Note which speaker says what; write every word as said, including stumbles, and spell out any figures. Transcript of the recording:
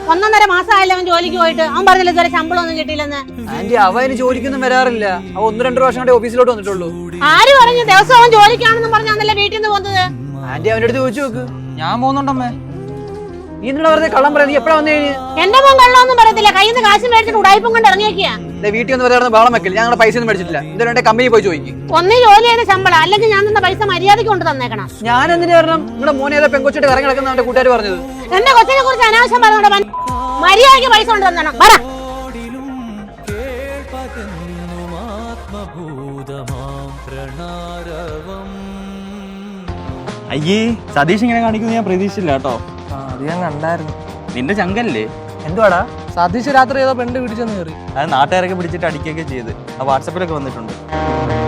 Speaker 1: ഒന്നൊന്നര മാസമായില്ല അവൻ ജോലിക്ക് പോയിട്ട്. അവൻ പറഞ്ഞില്ല ഇതുവരെ ശമ്പളം ഒന്നും കിട്ടിയില്ലെന്ന്.
Speaker 2: ആന്റി അവ അതിന് ജോലിക്കൊന്നും വരാറില്ല. അവ ഒന്ന് രണ്ടു പ്രാവശ്യം കൂടെ ഓഫീസിലോട്ട് വന്നിട്ടുള്ളൂ.
Speaker 1: ആര് പറഞ്ഞു ദിവസം അവൻ ജോലിക്കാണെന്ന് പറഞ്ഞാന്നല്ലേ വീട്ടിൽ നിന്ന് പോകുന്നത്?
Speaker 2: ആന്റി അവന്റെ അടുത്ത് ചോദിച്ചു നോക്ക്. ഞാൻ പോകുന്നുണ്ടമ്മേ. നീ എന്തിനാ വെറുതെ കള്ളം പറയാ? നീ എപ്പോഴാ വന്നു കഴിഞ്ഞ്?
Speaker 1: എന്റെ മോൻ കള്ളൊന്നും പറയത്തില്ല. കയ്യിൽ നിന്ന് കാശ് മേടിച്ചിട്ട് ഉടായ്പം കൊണ്ട് ഇറങ്ങിയേക്കാ.
Speaker 2: വീട്ടിൽ ഒന്ന് വെറുതെ ബഹളം വെക്കില്ല. ഞങ്ങളുടെ പൈസ ഒന്നും മേടിച്ചിട്ടില്ല. എന്തിനാ കമ്പനി പോയി ചോദിക്കും.
Speaker 1: ഒന്നേ ജോലി ചെയ്യുന്ന ശമ്പളം, അല്ലെങ്കിൽ ഞാൻ തന്ന പൈസ മര്യാദയ്ക്ക് കൊണ്ട് തന്നേക്കണം.
Speaker 2: ഞാൻ എന്തിനു വരണം? നിങ്ങളുടെ മോനെ ഏതാ പെൺകൊച്ചിട്ട് ഇറങ്ങി നടക്കുന്ന അവന്റെ കൂട്ടുകാർ പറഞ്ഞത്.
Speaker 1: എന്റെ കൊച്ചിനെ കുറിച്ച് അനാവശ്യം പറഞ്ഞോണ്ട് മര്യാദയ്ക്ക് പൈസ കൊണ്ട് തന്നണം. പറ.
Speaker 3: അയ്യേ, സതീഷ് ഇങ്ങനെ കാണിക്കുന്നത് ഞാൻ പ്രതീക്ഷിച്ചില്ല കേട്ടോ.
Speaker 4: അത് ഞാൻ കണ്ടായിരുന്നു.
Speaker 3: നിന്റെ ചങ്കല്ലേ?
Speaker 2: എന്തുവാടാ?
Speaker 4: സതീഷ് രാത്രി ഏതോ പെണ്ണ് പിടിച്ചെന്ന് കയറി.
Speaker 3: അത് നാട്ടുകാരൊക്കെ പിടിച്ചിട്ട് അടിക്കുകയൊക്കെ ചെയ്ത് ആ വാട്സാപ്പിലൊക്കെ വന്നിട്ടുണ്ട്.